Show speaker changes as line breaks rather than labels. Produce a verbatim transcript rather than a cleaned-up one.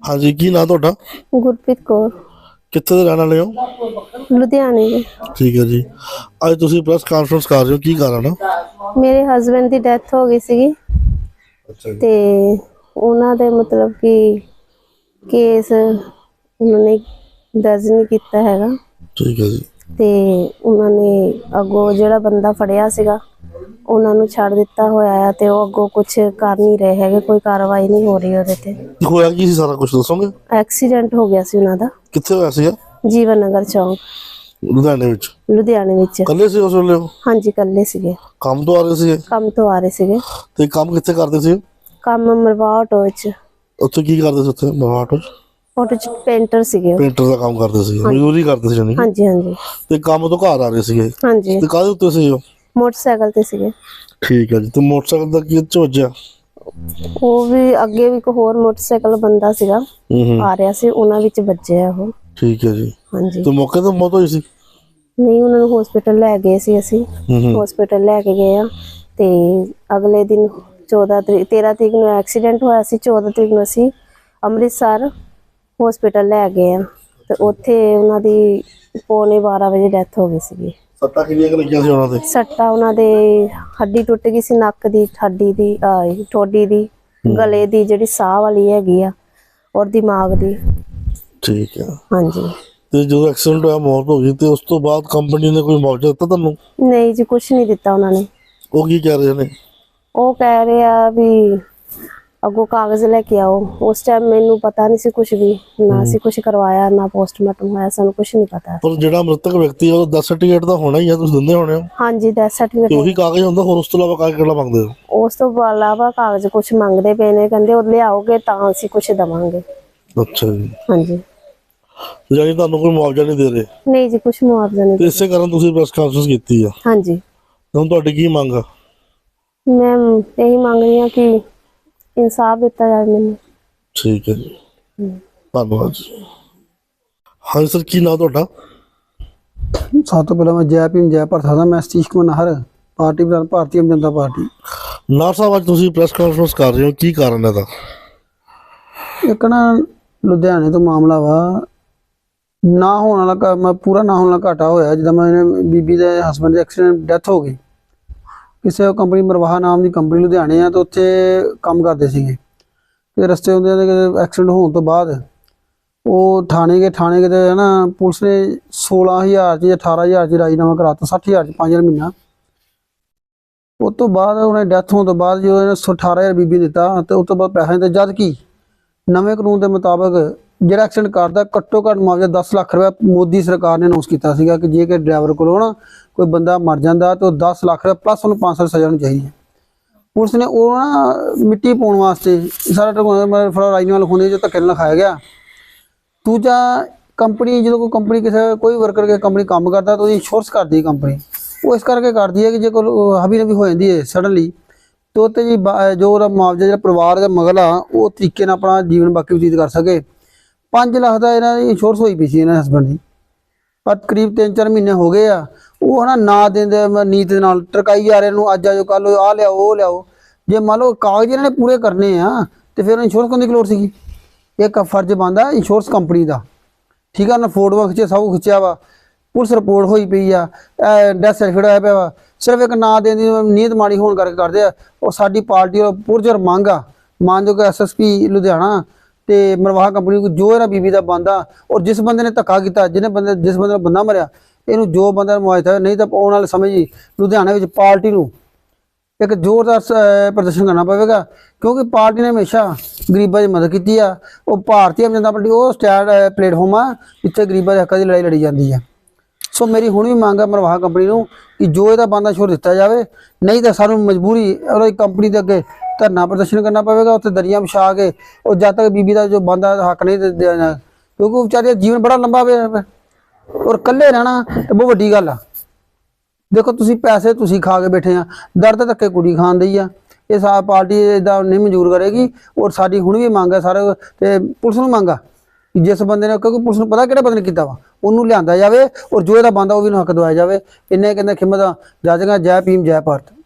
हाँ जी, की नाम ਤੁਹਾਡਾ?
ਗੁਰਪ੍ਰੀਤ ਕੌਰ,
ਕਿੱਥੇ ਦੇ ਰਹਿਣ ਵਾਲੇ ਹੋ?
ਲੁਧਿਆਣੇ ਦੇ।
ਠੀਕ ਹੈ ਜੀ। ਅੱਜ ਤੁਸੀਂ ਪ੍ਰੈਸ ਕਾਨਫਰੰਸ ਕਰ ਰਹੇ ਹੋ, ਕੀ ਕਾਰਨ ਆ?
ਮੇਰੇ ਹਸਬੰਡ ਦੀ ਡੈਥ ਹੋ ਗਈ ਸੀਗੀ
ਅੱਛਾ ਜੀ।
ਤੇ ਉਹਨਾਂ ਦੇ ਮਤਲਬ ਕਿ ਕੇਸ ਉਹਨਾਂ ਨੇ ਦਰਜ ਨਹੀਂ ਕੀਤਾ ਹੈਗਾ
ਠੀਕ ਹੈ ਜੀ।
ਤੇ ਉਹਨਾਂ ਨੇ ਅੱਗੋਂ ਜਿਹੜਾ ਬੰਦਾ ਫੜਿਆ ਸੀਗਾ ਉਹਨਾਂ ਨੂੰ ਛੱਡ ਦਿੱਤਾ ਹੋਇਆ ਆ ਤੇ ਉਹ ਅੱਗੋਂ ਕੁਝ ਕਰ ਨਹੀਂ ਰਹੇ ਹੈਗੇ, ਕੋਈ ਕਾਰਵਾਈ ਨਹੀਂ ਹੋ ਰਹੀ ਉਹਦੇ ਤੇ।
ਹੋਇਆ ਕੀ ਸੀ, ਸਾਰਾ ਕੁਝ ਦੱਸੋਗੇ?
ਐਕਸੀਡੈਂਟ ਹੋ ਗਿਆ ਸੀ ਉਹਨਾਂ ਦਾ
ਕਿੱਥੇ ਹੋਇਆ ਸੀ?
ਜੀਵਨ ਨਗਰ ਚੌਂਕ,
ਲੁਧਿਆਣੇ ਵਿੱਚ।
ਲੁਧਿਆਣੇ ਵਿੱਚ।
ਇਕੱਲੇ ਸੀ ਉਸ ਵੇਲੇ?
ਹਾਂਜੀ, ਇਕੱਲੇ ਸੀਗੇ।
ਕੰਮ ਤੋਂ ਆ ਰਹੇ ਸੀ?
ਕੰਮ ਤੋਂ ਆ ਰਹੇ ਸੀਗੇ।
ਤੇ ਕੰਮ ਕਿੱਥੇ ਕਰਦੇ ਸੀ?
ਕੰਮ ਮਰਵਾ ਆਟੋ ਵਿੱਚ।
ਉੱਥੇ ਕੀ ਕਰਦੇ ਸੀ? ਉੱਥੇ ਮਰਵਾ ਆਟੋ ਚ?
ਆਟੋ ਚ ਪੇਂਟਰ ਸੀਗੇ।
ਪੇਂਟਰ ਦਾ ਕੰਮ ਕਰਦੇ ਸੀ, ਮਜ਼ਦੂਰੀ ਕਰਦੇ ਸੀ ਜਾਨੀ?
ਹਾਂਜੀ ਹਾਂਜੀ।
ਤੇ ਕੰਮ ਤੋਂ ਘਰ ਆ ਰਹੇ ਸੀਗੇ?
ਹਾਂਜੀ।
ਤੇ ਕਾਹਦੇ ਉੱਤੇ ਸੀ ਉਹ?
ਮੋਟਰਸਾਈਕਲ ਤੇ ਸੀਗੇ।
ਠੀਕ ਹੈ ਜੀ। ਤੇ ਮੋਟਰਸਾਈਕਲ ਦਾ ਕੀ ਚ ਵੱਜਿਆ?
ਉਹ ਵੀ ਅੱਗੇ ਵੀ ਇੱਕ ਹੋਰ ਮੋਟਰਸਾਈਕਲ ਬੰਦਾ ਸੀਗਾ ਆ ਰਿਹਾ ਸੀ, ਉਹਨਾਂ ਵਿੱਚ ਵੱਜਿਆ ਉਹ।
ਠੀਕ ਹੈ ਜੀ।
ਹਾਂਜੀ।
ਤੇ ਮੌਕੇ ਤੇ ਮੌਤ ਹੋਈ ਸੀ?
ਨਹੀਂ, ਉਹਨਾਂ ਨੂੰ ਹਸਪੀਟਲ ਲੈ ਗਏ ਸੀ ਅਸੀਂ, ਹਸਪੀਟਲ ਲੈ ਕੇ ਗਏ ਆ ਤੇ ਅਗਲੇ ਦਿਨ ਚੌਦਾਂ ਤਰੀਕ ਤੇਰਾਂ ਤਰੀਕ ਨੂੰ ਐਕਸੀਡੈਂਟ ਹੋਇਆ ਸੀ, ਚੌਦਾਂ ਤਰੀਕ ਨੂੰ ਅਸੀਂ ਅੰਮ੍ਰਿਤਸਰ ਹਸਪੀਟਲ ਲੈ ਗਏ ਆ ਤੇ ਉੱਥੇ ਉਹਨਾਂ ਦੀ ਪੌਣੇ ਬਾਰਾਂ ਵਜੇ ਡੈਥ ਹੋ ਗਈ ਸੀਗੀ।
ਸੱਟਾਂ ਕਿੰਨੀਆਂ ਕੁ ਲੱਗੀਆਂ ਸੀ ਉਹਨਾਂ ਦੇ?
ਸੱਟਾਂ ਉਹਨਾਂ ਦੇ ਹੱਡੀ ਟੁੱਟ ਗਈ ਸੀ, ਨੱਕ ਦੀ ਹੱਡੀ ਦੀ, ਆਹ ਠੋਡੀ ਦੀ, ਗਲੇ ਦੀ ਜਿਹੜੀ ਸਾਹ ਵਾਲੀ ਹੈਗੀ ਆ, ਔਰ ਦਿਮਾਗ ਦੀ।
ਠੀਕ ਹੈ।
ਹਾਂਜੀ।
ਤੇ ਜਦੋਂ ਐਕਸੀਡੈਂਟ ਹੋਇਆ, ਮੌਤ ਹੋ ਗਈ, ਤੇ ਉਸ ਤੋਂ ਬਾਅਦ ਕੰਪਨੀ ਨੇ ਕੋਈ ਮੁਆਵਜ਼ਾ ਦਿੱਤਾ ਤੁਹਾਨੂੰ?
ਨਹੀਂ ਜੀ, ਕੁਛ ਨਹੀਂ ਦਿੱਤਾ ਉਹਨਾਂ ਨੇ।
ਉਹ ਕੀ ਕਹਿ ਰਹੇ ਨੇ?
ਉਹ ਕਹਿ ਰਹੇ ਆ ਵੀ ਅੱਗੋਂ ਕਾਗਜ਼ ਲੈ ਕੇ ਆਓ। ਉਸ ਟਾਈਮ ਮੈਨੂੰ ਪਤਾ ਨਹੀਂ ਸੀ ਕੁਛ ਵੀ, ਨਾ ਅਸੀਂ ਕੁਛ ਕਰਵਾਇਆ, ਨਾ ਪੋਸਟਮਾਰਟਮ ਹੋਇਆ, ਸਾਨੂੰ ਕੁਛ ਨਹੀਂ ਪਤਾ।
ਪਰ ਜਿਹੜਾ ਮ੍ਰਿਤਕ ਵਿਅਕਤੀ ਹੈ, ਉਹ ਡੈਥ ਸਰਟੀਫਿਕੇਟ ਤਾਂ ਹੋਣਾ ਹੀ ਆ, ਤੁਸੀਂ ਦਿੰਦੇ ਹੋਣੇ ਹੋ?
ਹਾਂਜੀ, ਡੈਥ
ਤੇ
ਸਰਟੀਫਿਕੇਟ।
ਉਹੀ ਕਾਗਜ਼ ਹੁੰਦਾ, ਹੋਰ ਉਸ ਤੋਂ ਇਲਾਵਾ ਕਾਗਜ਼ ਕਿਹੜਾ ਮੰਗਦੇ ਹੋ?
ਉਸ ਤੋਂ ਇਲਾਵਾ ਕਾਗਜ਼ ਕੁਛ ਮੰਗਦੇ ਪਏ ਨੇ, ਕਹਿੰਦੇ ਉਹ ਲਿਆਓਗੇ ਤਾਂ ਅਸੀਂ ਕੁਛ ਦੇਵਾਂਗੇ।
ਅੱਛਾ ਜੀ।
ਹਾਂਜੀ।
ਯਾਨੀ ਤੁਹਾਨੂੰ ਕੋਈ ਮੁਆਵਜ਼ਾ ਨਹੀਂ ਦੇ ਰਹੇ?
ਨਹੀਂ ਜੀ, ਕੁਛ ਮੁਆਵਜ਼ਾ ਨਹੀਂ।
ਤੇ ਇਸੇ ਕਾਰਨ ਤੁਸੀਂ ਪ੍ਰੈਸ ਕਾਨਫਰੰਸ ਕੀਤੀ ਆ?
ਹਾਂਜੀ।
ਹੁਣ ਤੁਹਾਡੀ ਕੀ ਮੰਗ ਆ?
ਮੈਂ ਇਹੀ ਮੰਗ ਰਹੀ ਹਾਂ ਕਿ ਇਨਸਾਫ ਦਿੱਤਾ ਜਾਵੇ ਮੈਨੂੰ।
ਠੀਕ ਹੈ ਜੀ, ਧੰਨਵਾਦ ਜੀ। ਹਾਂਜੀ ਸਰ, ਕੀ ਨਾਮ ਤੁਹਾਡਾ?
ਸਭ ਤੋਂ ਪਹਿਲਾਂ ਮੈਂ ਜੈ ਭੀਮ ਜੈ ਭਾਰਤ ਦਾ ਮੈਂ ਸਤੀਸ਼ ਕੁਮਾਰ ਨਾਹਰ, ਪਾਰਟੀ ਪ੍ਰਧਾਨ ਭਾਰਤੀ ਆਮ ਜਨਤਾ ਪਾਰਟੀ।
ਨਾਹਰ ਸਾਹਿਬ, ਅੱਜ ਤੁਸੀਂ ਪ੍ਰੈਸ ਕਾਨਫਰੰਸ ਕਰ ਰਹੇ ਹੋ, ਕੀ ਕਾਰਨ ਹੈ ਦਾ?
ਇੱਕ ਨਾ ਲੁਧਿਆਣੇ ਤੋਂ ਮਾਮਲਾ ਵਾ, ਨਾ ਹੋਣ ਵਾਲਾ ਮੈਂ ਪੂਰਾ ਨਾ ਹੋਣ ਵਾਲਾ ਘਾਟਾ ਹੋਇਆ। ਜਿੱਦਾਂ ਮੈਂ ਬੀਬੀ ਦੇ ਹਸਬੈਂਡ ਦੀ ਐਕਸੀਡੈਂਟ ਡੈਥ ਹੋ ਗਈ, ਕਿਸੇ ਕੰਪਨੀ ਮਰਵਾਹਾ ਨਾਮ ਦੀ ਕੰਪਨੀ ਲੁਧਿਆਣੇ ਆ, ਤੇ ਉੱਥੇ ਕੰਮ ਕਰਦੇ ਸੀਗੇ। ਤੇ ਰਸਤੇ ਹੁੰਦੇ ਐਕਸੀਡੈਂਟ ਹੋਣ ਤੋਂ ਬਾਅਦ ਉਹ ਥਾਣੇ ਗਏ, ਥਾਣੇ ਗਏ ਤੇ ਨਾ ਪੁਲਿਸ ਨੇ ਸੋਲਾਂ ਹਜ਼ਾਰ ਚ ਜਾਂ ਅਠਾਰਾਂ ਹਜ਼ਾਰ ਚ ਰਾਜੀਨਾਮਾ ਕਰਾਤਾ, ਸੱਠ ਹਜ਼ਾਰ ਚ ਪੰਜ ਹਜ਼ਾਰ ਮਹੀਨਾ। ਉਸ ਤੋਂ ਬਾਅਦ ਉਹਨੇ ਡੈਥ ਹੋਣ ਤੋਂ ਬਾਅਦ ਜਦੋਂ ਇਹਨੇ ਅਠਾਰਾਂ ਹਜ਼ਾਰ ਬੀਬੀ ਦਿੱਤਾ ਤੇ ਉਸ ਤੋਂ ਬਾਅਦ ਪੈਸਾ ਦਿੱਤਾ, ਜਦ ਕਿ ਨਵੇਂ ਕਾਨੂੰਨ ਦੇ ਮੁਤਾਬਕ ਜਿਹੜਾ ਐਕਸੀਡੈਂਟ ਕਰਦਾ ਘੱਟੋ ਘੱਟ ਮੁਆਵਜ਼ਾ ਦਸ ਲੱਖ ਰੁਪਏ ਮੋਦੀ ਸਰਕਾਰ ਨੇ ਅਨਾਉਂਸ ਕੀਤਾ ਸੀਗਾ ਕਿ ਜੇ ਕਿ ਡਰਾਈਵਰ ਕੋਲੋਂ ਨਾ ਕੋਈ ਬੰਦਾ ਮਰ ਜਾਂਦਾ ਤਾਂ ਉਹ ਦਸ ਲੱਖ ਰੁਪਏ ਪਲੱਸ ਉਹਨੂੰ ਪੰਜ ਸਾਲ ਸਜ਼ਾ ਹੋਣੀ ਚਾਹੀਦੀ ਹੈ। ਪੁਲਿਸ ਨੇ ਉਹ ਨਾ ਮਿੱਟੀ ਪਾਉਣ ਵਾਸਤੇ ਸਾਰਾ ਫੜਾ ਰਾਜਨੀਆਂ ਲਿਖਾਉਂਦੇ ਜੋ ਧੱਕੇ ਨਾਲ ਲਿਖਾਇਆ ਗਿਆ। ਦੂਜਾ, ਕੰਪਨੀ ਜਦੋਂ ਕੋਈ ਕੰਪਨੀ ਕਿਸੇ ਕੋਈ ਵਰਕਰ ਕੇ ਕੰਪਨੀ ਕੰਮ ਕਰਦਾ ਤਾਂ ਉਹਦੀ ਇੰਸ਼ੋਰੈਂਸ ਕਰਦੀ ਹੈ ਕੰਪਨੀ, ਉਹ ਇਸ ਕਰਕੇ ਕਰਦੀ ਹੈ ਕਿ ਜੇ ਕੋਈ ਹਬੀ ਨਬੀ ਹੋ ਜਾਂਦੀ ਹੈ ਸਡਨਲੀ, ਤਾਂ ਉੱਤੇ ਜੀ ਜੋ ਉਹਦਾ ਮੁਆਵਜ਼ਾ ਜਿਹੜਾ ਪਰਿਵਾਰ ਦਾ ਮਗਲਾ ਉਹ ਤਰੀਕੇ ਨਾਲ ਆਪਣਾ ਜੀਵਨ ਬਾਕੀ ਬਤੀਤ ਕਰ ਸਕੇ। ਪੰਜ ਲੱਖ ਦਾ ਇਹਨਾਂ ਦੀ ਇੰਸ਼ੋਰੈਂਸ ਹੋਈ ਪਈ ਸੀ ਇਹਨਾਂ ਹਸਬੈਂਡ ਦੀ, ਪਰ ਕਰੀਬ ਤਿੰਨ ਚਾਰ ਮਹੀਨੇ ਹੋ ਗਏ ਆ ਉਹ ਨਾ ਨਾ ਦਿੰਦੇ ਨੀਤ ਦੇ ਨਾਲ ਟਰਕਾਈ ਜਾ ਰਹੇ ਨੂੰ, ਅੱਜ ਆਜੋ ਕੱਲ ਆਹ ਲਿਆਓ ਉਹ ਲਿਆਓ। ਜੇ ਮੰਨ ਲਓ ਕਾਗਜ਼ ਇਹਨਾਂ ਨੇ ਪੂਰੇ ਕਰਨੇ ਆ ਤੇ ਫਿਰ ਇੰਸ਼ੋਰੈਂਸ ਕਰਨ ਦੀ ਲੋੜ ਸੀਗੀ। ਇੱਕ ਫਰਜ਼ ਬਣਦਾ ਇੰਸ਼ੋਰੈਂਸ ਕੰਪਨੀ ਦਾ, ਠੀਕ ਆ ਨਾ, ਫੋਟੋਆਂ ਖਿੱਚਿਆ, ਸਭ ਕੁਛ ਖਿੱਚਿਆ ਵਾ, ਪੁਲਿਸ ਰਿਪੋਰਟ ਹੋਈ ਪਈ ਆ, ਡੈਥ ਸਰਟੀਫਿਕੇਟ ਹੋਇਆ ਪਿਆ ਵਾ, ਸਿਰਫ ਇੱਕ ਨਾਂ ਦੇਣ ਦੀ ਨੀਅਤ ਮਾੜੀ ਹੋਣ ਕਰਕੇ ਕਰਦੇ ਆ। ਉਹ ਸਾਡੀ ਪਾਰਟੀ ਦਾ ਪੁਰਜਰ ਮੰਗ ਆ, ਮਾਨਯੋਗ ਐਸ ਐਸ ਪੀ ਲੁਧਿਆਣਾ ਤੇ ਮਰਵਾਹਾ ਕੰਪਨੀ ਨੂੰ ਜੋ ਇਹਨਾਂ ਬੀਬੀ ਦਾ ਬੰਦਾ, ਔਰ ਜਿਸ ਬੰਦੇ ਨੇ ਧੱਕਾ ਕੀਤਾ, ਜਿਹਨੇ ਬੰਦੇ ਜਿਸ ਬੰਦੇ ਦਾ ਬੰਦਾ ਮਰਿਆ, ਇਹਨੂੰ ਜੋ ਬੰਦਾ ਮੁਆਵਜ਼ਾ, ਨਹੀਂ ਤਾਂ ਆਉਣ ਵਾਲੇ ਸਮੇਂ ਜੀ ਲੁਧਿਆਣੇ ਵਿੱਚ ਪਾਰਟੀ ਨੂੰ ਇੱਕ ਜ਼ੋਰਦਾਰ ਪ੍ਰਦਰਸ਼ਨ ਕਰਨਾ ਪਵੇਗਾ, ਕਿਉਂਕਿ ਪਾਰਟੀ ਨੇ ਹਮੇਸ਼ਾ ਗਰੀਬਾਂ ਦੀ ਮਦਦ ਕੀਤੀ ਆ। ਉਹ ਭਾਰਤੀ ਆਮ ਜਨਤਾ ਪਾਰਟੀ ਉਹ ਸਟੈਂਡ ਪਲੇਟਫਾਰਮ ਆ ਜਿੱਥੇ ਗਰੀਬਾਂ ਦੇ ਹੱਕਾਂ ਦੀ ਲੜਾਈ ਲੜੀ ਜਾਂਦੀ ਆ। ਸੋ ਮੇਰੀ ਹੁਣ ਵੀ ਮੰਗ ਆ ਮਰਵਾਹਾ ਕੰਪਨੀ ਨੂੰ ਕਿ ਜੋ ਇਹਦਾ ਬੰਦਾ ਛੋੜ ਦਿੱਤਾ ਜਾਵੇ, ਨਹੀਂ ਤਾਂ ਸਾਨੂੰ ਮਜਬੂਰੀ ਉਹਦੀ ਕੰਪਨੀ ਦੇ ਅੱਗੇ ਧਰਨਾ ਪ੍ਰਦਰਸ਼ਨ ਕਰਨਾ ਪਵੇਗਾ, ਉੱਥੇ ਦਰੀਆਂ ਵਿਛਾ ਕੇ ਉਹ ਜਦ ਤੱਕ ਬੀਬੀ ਦਾ ਜੋ ਬੰਦਾ ਹੱਕ ਨਹੀਂ ਦੇਣਾ, ਕਿਉਂਕਿ ਉਹ ਵਿਚਾਰੇ ਦਾ ਜੀਵਨ ਬੜਾ ਲੰਬਾ ਪਿਆ ਔਰ ਇਕੱਲੇ ਰਹਿਣਾ ਤੇ ਬਹੁਤ ਵੱਡੀ ਗੱਲ ਆ। ਦੇਖੋ ਤੁਸੀਂ ਪੈਸੇ ਤੁਸੀਂ ਖਾ ਕੇ ਬੈਠੇ ਆ, ਦਰਦ ਧੱਕੇ ਕੁੜੀ ਖਾਣ ਦੀ ਆ, ਇਹ ਸਾ ਪਾਰਟੀ ਇਦਾਂ ਨਹੀਂ ਮਨਜ਼ੂਰ ਕਰੇਗੀ। ਔਰ ਸਾਡੀ ਹੁਣ ਵੀ ਮੰਗ ਹੈ ਸਾਰੇ ਤੇ ਪੁਲਿਸ ਨੂੰ ਮੰਗ ਆ ਕਿ ਜਿਸ ਬੰਦੇ ਨੇ, ਕਿਉਂਕਿ ਪੁਲਿਸ ਨੂੰ ਪਤਾ ਕਿਹੜੇ ਬੰਦੇ ਨੇ ਕੀਤਾ ਵਾ, ਉਹਨੂੰ ਲਿਆਂਦਾ ਜਾਵੇ ਔਰ ਜੋ ਇਹਦਾ ਬੰਦਾ ਉਹ ਵੀ ਨੂੰ ਹੱਕ ਦਵਾਇਆ ਜਾਵੇ। ਇੰਨੇ ਕਹਿੰਦੇ ਖਿਮਤ ਜੱਜਗਾ। ਜੈ ਭੀਮ ਜੈ ਭਾਰਤ।